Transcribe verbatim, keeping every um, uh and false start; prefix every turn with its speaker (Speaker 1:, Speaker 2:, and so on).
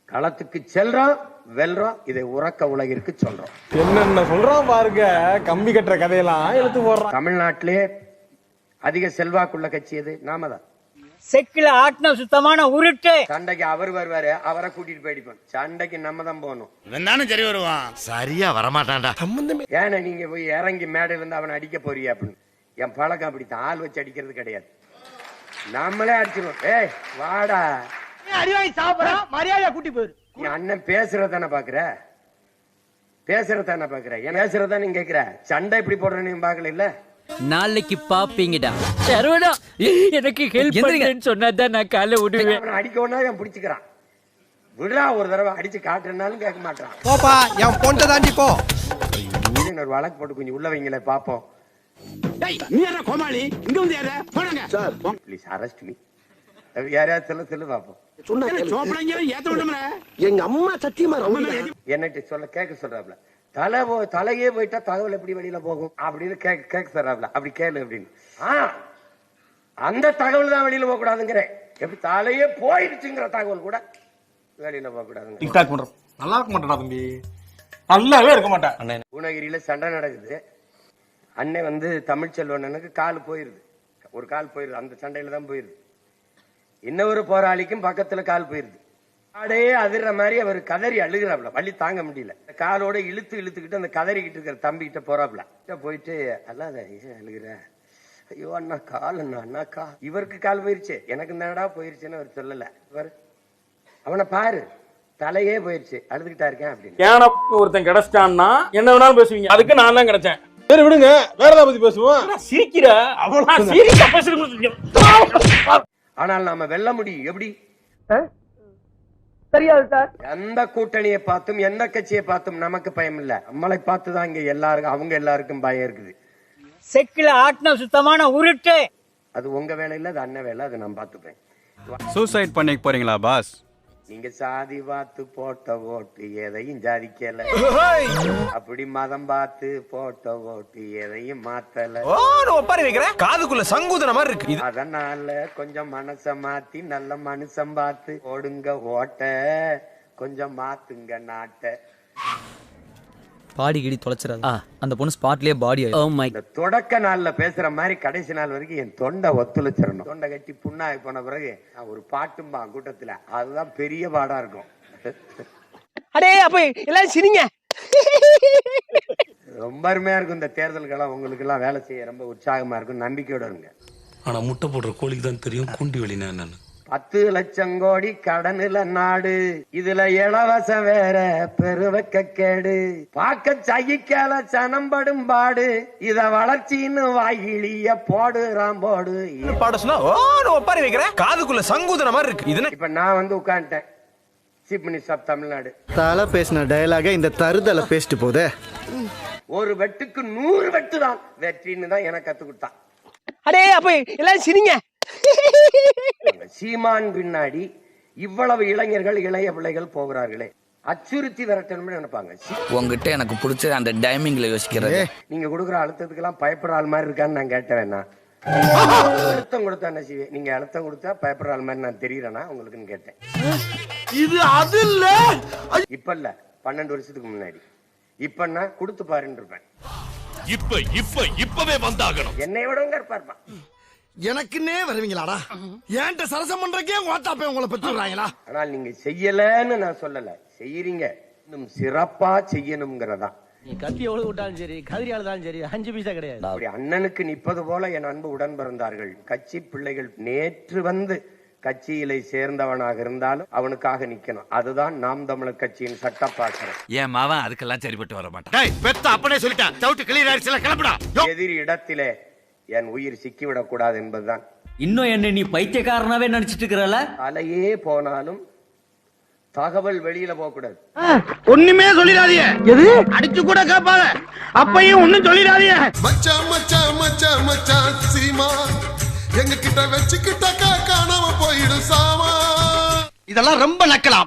Speaker 1: களத்துக்கு செல்றோம், வெல்றோம். இதை உறக்க உலகிற்கு சொல்றோம்.
Speaker 2: என்னென்ன சொல்றோம் பாருங்க, கம்பி கட்டுற கதையெல்லாம் எழுத்து போடுறோம்.
Speaker 1: தமிழ்நாட்டிலே அதிக செல்வாக்குள்ள கட்சி எது? நாம தான்.
Speaker 3: செக்கில ஆட்டின சுத்தமான உருட்டு.
Speaker 1: சண்டைக்கு அவர் வருவாரு, அவரை கூட்டிட்டு போயிடுப்போம். சண்டைக்கு நம்ம தான் போகணும்.
Speaker 4: இவன் சரி வருவான், சரியா வரமாட்டான்டா.
Speaker 1: ஏன்னா நீங்க போய் இறங்கி மேடையில இருந்து அவனை அடிக்க போறியா அப்படின்னு. என் பழக்கம் அப்படித்தான், ஆள் வச்சு அடிக்கிறது கிடையாது. நம்மளே அடிச்சிருவோம். ஏய் வாடா,
Speaker 3: அடிவாய் சாப்பிடறோம், மரியாதையா கூட்டி போயிரு.
Speaker 1: நீ அண்ணன் பேசுறதானே பாக்குற, பேசுறதானே பாக்குற, ஏன் பேசுறதா நீங்க கேக்குற? சண்டை இப்படி போடுறேன்னு பாக்கல இல்ல.
Speaker 5: நாளைக்கு பாப்பீங்கடா. சரவணா எனக்கு ஹெல்ப் பண்ணுன்னு சொன்னாதான் நான் காலை விடுவேன்.
Speaker 1: அவனை அடிக்க ஒன்னா அவன் பிடிச்சுக்கிறான். விடா, ஒரு தடவை அடிச்சு காட்டுறதுனாலும் கேட்க மாட்டான்.
Speaker 2: போப்பா, என் பொண்ணை தாண்டி போ.
Speaker 1: ஒரு வழக்கு போட்டு கொஞ்சம் உள்ள வைங்களே பாப்போம்.
Speaker 4: கோமாளி இங்க வந்து யார போடுங்க சார்,
Speaker 1: ப்ளீஸ் அரெஸ்ட் மீ. யாரையாவது சொல்ல சொல்லு பாப்போம்.
Speaker 6: எங்க அம்மா சத்தியமா
Speaker 1: என்னட்டு சொல்ல கேட்க சொல்றாப்ல. தலை தலையே போயிட்டா தகவல் எப்படி வெளியில போகும் அப்படின்னு கேட்க கேட்க சொல்றாப்ல. அப்படி கேளு அப்படின்னு. ஆஹ் அந்த தகவல் தான் வெளியில போக கூடாதுங்கிற. எப்படி தலையே போயிடுச்சுங்கிற தகவல் கூட வெளியில போக கூடாது.
Speaker 2: நல்லா இருக்க மாட்டா தம்பி, நல்லாவே இருக்க மாட்டேன்.
Speaker 1: பூனகிரியில சண்டை நடக்குது. அண்ணன் வந்து தமிழ்ச்செல்வனுக்கு கால் போயிருது, ஒரு கால் போயிருது. அந்த சண்டையில தான் போயிருது. இன்னொரு போராளிக்கும் பக்கத்துல கால் போயிருது. காடே அதிர்ற மாதிரி அவர் கதறி அழுகிறாப்ல. வலி தாங்க முடியல. காலோட இழுத்து இழுத்துக்கிட்டு அந்த கதறிக்கிட்டு இருக்கிற தம்பி கிட்ட போறாப்ல. போயிட்டு அல்லாத அழுகிற, ஐயோ அண்ணா கால் அண்ணா அண்ணாக்கா. இவருக்கு கால் போயிருச்சு, எனக்கு என்னடா போயிருச்சுன்னு அவர் சொல்லல. இவர் அவனை பாரு, தலையே போயிருச்சு, அழுதுகிட்டா இருக்கேன் அப்படின்னு.
Speaker 7: ஏன்னா ஒருத்தன் கிடைச்சிட்டான்னா என்ன வேணாலும் பேசுவீங்க, அதுக்கு நான் தான் கிடைச்சேன்.
Speaker 2: சரி விடுங்க, வேற ஏதாவது பத்தி பேசுவோம்.
Speaker 7: சிரிக்கிற
Speaker 1: ஆனால் நாம வெல்ல முடியும். எப்படி?
Speaker 3: தெரியாது சார்.
Speaker 1: எந்த கூட்டணியை பார்த்தும் எந்த கட்சியை பார்த்தும் நமக்கு பயம் இல்ல. நம்மளை பார்த்துதான் இங்க எல்லாருக்கும், அவங்க எல்லாருக்கும் பயம் இருக்குது.
Speaker 3: செக்கில ஆட்டின சுத்தமான உருட்டு.
Speaker 1: அது உங்க வேலை இல்ல, அது அண்ணன் வேலை. அதை நான் பார்த்துப்பேன்.
Speaker 8: சூசைட் பண்ணிக்க போறீங்களா பாஸ்?
Speaker 1: நீங்க சாதி பார்த்து போட்ட ஓட்டு எதையும் ஜாதிக்கல, அப்படி மதம் பார்த்து போட்ட ஓட்டு எதையும் மாத்தல.
Speaker 2: காதுக்குள்ள சங்குதன மாதிரி இருக்கு.
Speaker 1: அதனால கொஞ்சம் மனச மாத்தி நல்ல மனுஷன் பார்த்து ஓடுங்க ஓட்ட, கொஞ்சம் மாத்துங்க நாட்ட.
Speaker 5: பாடி கிடி தொலைச்சிடாத, அந்த பொண்ணு ஸ்பாட்லயே பாடி. Oh my.
Speaker 1: இந்த தொடக்க நாள்ல பேசுற மாதிரி கடைசி நாள் வரைக்கும் என் தொண்டை ஒத்துழைச்சிடணும். தொண்டை கட்டி புண்ணாகி போன பிறகு ஒரு பாட்டும்பா கூட்டத்துல, அதுதான் பெரிய பாடா இருக்கும்.
Speaker 3: அடே அப்ப எல்லாம் சிரிங்க.
Speaker 1: ரொம்ப அருமையா இருக்கும். இந்த தேர்தல்கெல்லாம் உங்களுக்கு எல்லாம் வேலை செய்ய ரொம்ப உற்சாகமா இருக்கும். நம்பிக்கையோட இருங்க.
Speaker 9: ஆனா முட்டை போடுற கோழிக்கு தான் தெரியும் குண்டி வெளினா என்னன்னு.
Speaker 1: பத்து லட்சம் கோடி கடனுல நாடு, இதுல இலவசம் வேற பெருவக்க கேடு. பாக்க சகிக்கல சனம்படும் பாடு, இத வளர்ச்சின்னு வாயிலிய போடுறான் போடு.
Speaker 2: பாட சொன்னா ஒப்பாரி வைக்கிற, காதுக்குள்ள சங்குதன மாதிரி இருக்கு. இது
Speaker 1: இப்ப நான் வந்து உட்காந்துட்டேன், சீஃப் மினிஸ்டர் ஆஃப் தமிழ்நாடு.
Speaker 6: தலை பேசின டயலாக இந்த தருதலை பேசிட்டு போதே.
Speaker 1: ஒரு வெட்டுக்கு நூறு வெட்டு தான் வெற்றின்னு தான் எனக்கு கத்து கொடுத்தான்.
Speaker 3: அடே அப்ப எல்லாம் சிரிங்க.
Speaker 1: சீமான் பின்னாடி இவ்வளவு இளைஞர்கள், இளைய பிள்ளைகள் போகிறார்களே, அச்சுறுத்தி விரட்டணும்னு நினைப்பாங்க.
Speaker 5: உங்ககிட்ட எனக்கு பிடிச்ச அந்த டைமிங்ல யோசிக்கிறது.
Speaker 1: நீங்க கொடுக்குற அழுத்தத்துக்கு எல்லாம் பயப்படுற ஆள் மாதிரி இருக்கான்னு நான் கேட்டேன். அழுத்தம் கொடுத்தா என்ன செய்வேன்? நீங்க அழுத்தம் கொடுத்தா பயப்படுற ஆள் மாதிரி நான் தெரியறேனா உங்களுக்குன்னு கேட்டேன்.
Speaker 2: இது அது இல்ல,
Speaker 1: இப்ப இல்ல, பன்னெண்டு வருஷத்துக்கு முன்னாடி. இப்ப நான் கொடுத்து பாருன்னு இருப்பேன்.
Speaker 4: இப்ப இப்ப இப்பவே வந்தாகணும்.
Speaker 1: என்னை விடங்க இருப்பாருப்பா.
Speaker 6: எனக்குன்னே வருவீங்களாடா? ஏன்ட்ட சரசம் பண்றக்கே வாட்டாப்பே உங்களை பெற்றுறாங்களா?
Speaker 1: ஆனால் நீங்க செய்யலன்னு நான் சொல்லல, செய்யறீங்க. இன்னும் சிறப்பா செய்யணும்ங்கிறதா.
Speaker 3: நீ கத்தி எவ்வளவு விட்டாலும் சரி, கதிரியால தான் சரி, அஞ்சு பைசா கிடையாது.
Speaker 1: அப்படி அண்ணனுக்கு நிற்பது போல என் அன்பு உடன் பிறந்தார்கள் கட்சி பிள்ளைகள். நேற்று வந்து கட்சியிலே சேர்ந்தவனாக இருந்தாலும் அவனுக்காக நிக்கணும். அதுதான் நாம் தமிழர் கட்சியின் சட்டப்பாசனம்.
Speaker 4: என் மாவன் அதுக்கெல்லாம் சரிபட்டு வர மாட்டான். பெத்த அப்பனே சொல்லிட்டான், சவுட்டு கிளியர் ஆயிடுச்சுல, கிளம்புடா.
Speaker 1: எதிரி இடத்திலே என் உயிர் சிக்கிவிடக் கூடாது என்பதுதான்.
Speaker 5: இன்னும் என்ன நீ பைத்தியக்காரனாவே நினைச்சிட்டு இருக்கிறல?
Speaker 1: அலையே போனாலும் தகவல் வெளியில போக கூடாது.
Speaker 3: ஒண்ணுமே சொல்லிடாதீங்க. எது அடிச்சு கூட கேட்பாங்க, அப்பையும் ஒண்ணும் சொல்லிடாதீங்க.
Speaker 10: மச்சான் மச்சான் மச்சான் மச்சான் சீமா எங்க கிட்ட வச்சுக்கிட்டாக்கா காணாம போயிடும் சாமா.
Speaker 6: இதெல்லாம் ரொம்ப நக்கலாம்.